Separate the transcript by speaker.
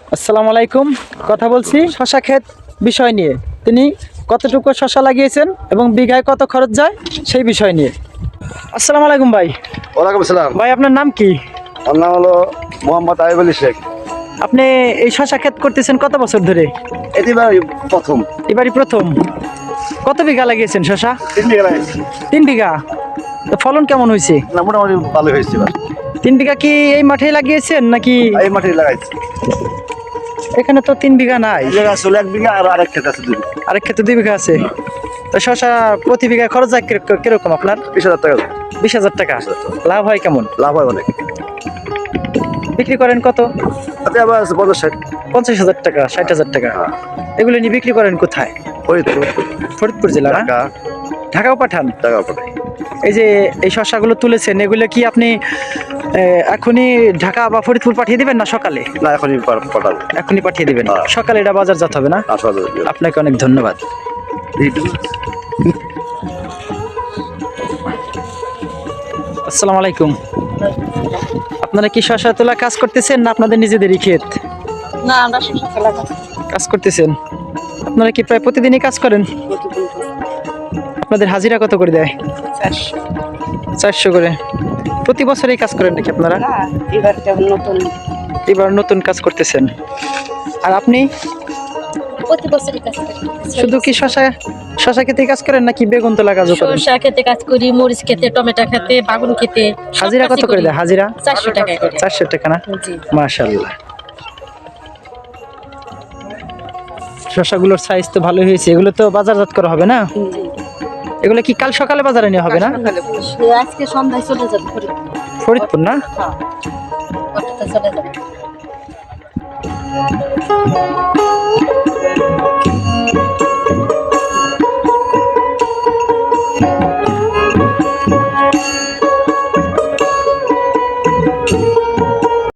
Speaker 1: আসসালামু আলাইকুম। কথা বলছি শশা ক্ষেত বিষয় নিয়ে। তিনি কতটুকু শশা লাগিয়েছেন এবং বিঘায় কত খরচ যায় সেই বিষয় নিয়ে। আসসালামু আলাইকুম ভাই।
Speaker 2: ওয়ালাইকুম আসসালাম।
Speaker 1: ভাই আপনার নাম কি?
Speaker 2: আমার নাম হলো মোহাম্মদ আইব আলী শেখ।
Speaker 1: আপনি এই শশা ক্ষেত করতেছেন কত বছর ধরে?
Speaker 2: এটি প্রথম
Speaker 1: এবারই প্রথম। কত বিঘা লাগিয়েছেন শশা?
Speaker 2: 3 বিঘা লাগাইছি।
Speaker 1: 3 বিঘা। তো ফলন কেমন হয়েছে?
Speaker 2: না, মোটামুটি ভালো হয়েছে।
Speaker 1: 3 বিঘা কি এই মাঠেই লাগিয়েছেন নাকি
Speaker 2: এই মাঠে লাগাইছি।
Speaker 1: এখানে তো 3 বিঘা নাই,
Speaker 2: এই জায়গা আসলে 1 বিঘা আর আরেক ক্ষেত আছে 2 বিঘা।
Speaker 1: আরেক ক্ষেত্রে 2 বিঘা আছে। তো শশা প্রতি বিঘায় খরচ যায় কিরকম আপনার?
Speaker 2: 20,000 টাকা
Speaker 1: 20,000 টাকা। লাভ হয় কেমন?
Speaker 2: লাভ হয় অনেক।
Speaker 1: বিক্রি করেন কত?
Speaker 2: তাতে আবার আছে 50-60
Speaker 1: 50,000 টাকা, 60,000 টাকা। এগুলো নিয়ে বিক্রি করেন কোথায়?
Speaker 2: ফরিদপুর,
Speaker 1: ফরিদপুর জেলা না?
Speaker 2: ঢাকা,
Speaker 1: ঢাকাও পাঠান?
Speaker 2: ঢাকা পাঠাই।
Speaker 1: এই যে এই শস্যগুলো তুলেছেন এগুলো কি আপনি এখনই ঢাকা বা ফরিদপুর পাঠিয়ে দিবেন না সকালে?
Speaker 2: না, এখনই পাঠাবো।
Speaker 1: এখনই পাঠিয়ে দিবেন,
Speaker 2: হ্যাঁ।
Speaker 1: সকালে এটা বাজারজাত হবে না?
Speaker 2: আসলে
Speaker 1: আপনাকে অনেক ধন্যবাদ। আসসালামু আলাইকুম। আপনারা কি শস্য তোলা কাজ করতেছেন না আপনাদের নিজেদেরই ক্ষেত?
Speaker 3: না, আমরা শশা তোলা
Speaker 1: কাজ করতেছেন। আপনারা কি প্রায় প্রতিদিনই কাজ করেন? আপনাদের হাজিরা কত করে দেয়? 400 করে। প্রতি বছরই কাজ করেন নাকি আপনারা?
Speaker 3: এবার কেমন নতুন
Speaker 1: এবার নতুন কাজ করতেছেন। আর আপনি
Speaker 3: প্রতি বছরই কাজ করি।
Speaker 1: শুধু কি শশা খেতে কাজ করেন নাকি বেগুন তোলা কাজও করেন?
Speaker 3: সরষা খেতে কাজ করি, মরিচ খেতে, টমেটো খেতে, বাগুন খেতে। সব
Speaker 1: হাজিরা
Speaker 3: কাজই
Speaker 1: কত করে
Speaker 3: করি।
Speaker 1: দেয়? হাজিরা
Speaker 3: 400 টাকা করে।
Speaker 1: 400 টাকা না?
Speaker 3: জি।
Speaker 1: মাশাআল্লাহ। শশাগুলোর সাইজ তো ভালো হয়েছে। এগুলো তো বাজারজাত করা হবে না?
Speaker 3: জি।
Speaker 1: এগুলো কি কাল সকালে বাজারে নেওয়া হবে না?
Speaker 3: আজকে সন্ধ্যায় চলে যাবে
Speaker 1: ফরিদপুর না?
Speaker 3: হ্যাঁ, অটোতে চলে যাবে।